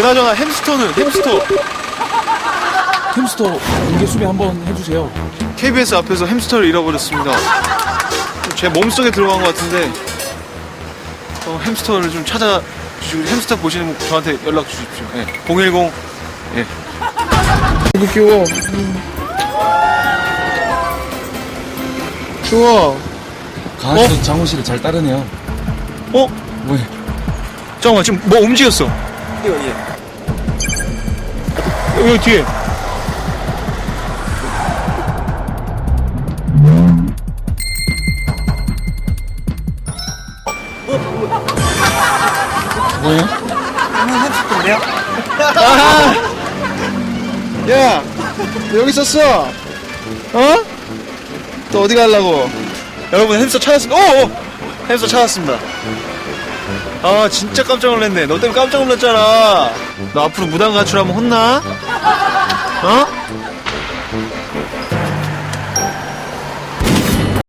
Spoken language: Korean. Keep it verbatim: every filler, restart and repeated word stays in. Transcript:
그나저나 햄스터는 햄스터. 햄스터 공개 수배 한번 해주세요. 케이비에스 앞에서 햄스터를 잃어버렸습니다. 제 몸속에 들어간 것 같은데 어, 햄스터를 좀 찾아주시고 햄스터 보시는 분 저한테 연락 주십시오. 예. 공일공 예. 너무 귀여워. 좋아. 강아지도 어? 장호 씨를 잘 따르네요. 어? 왜? 잠깐만 지금 뭐 움직였어. 여기 여기 뒤에. 뭐예요? 아! 야, 너 여기 있었어? 어? 또 어디 가려고? 여러분 햄스터 찾았습니다. 오! 오! 햄스터 찾았습니다. 아 진짜 깜짝 놀랐네. 너 때문에 깜짝 놀랐잖아. 너 앞으로 무단 가출하면 혼나? 어?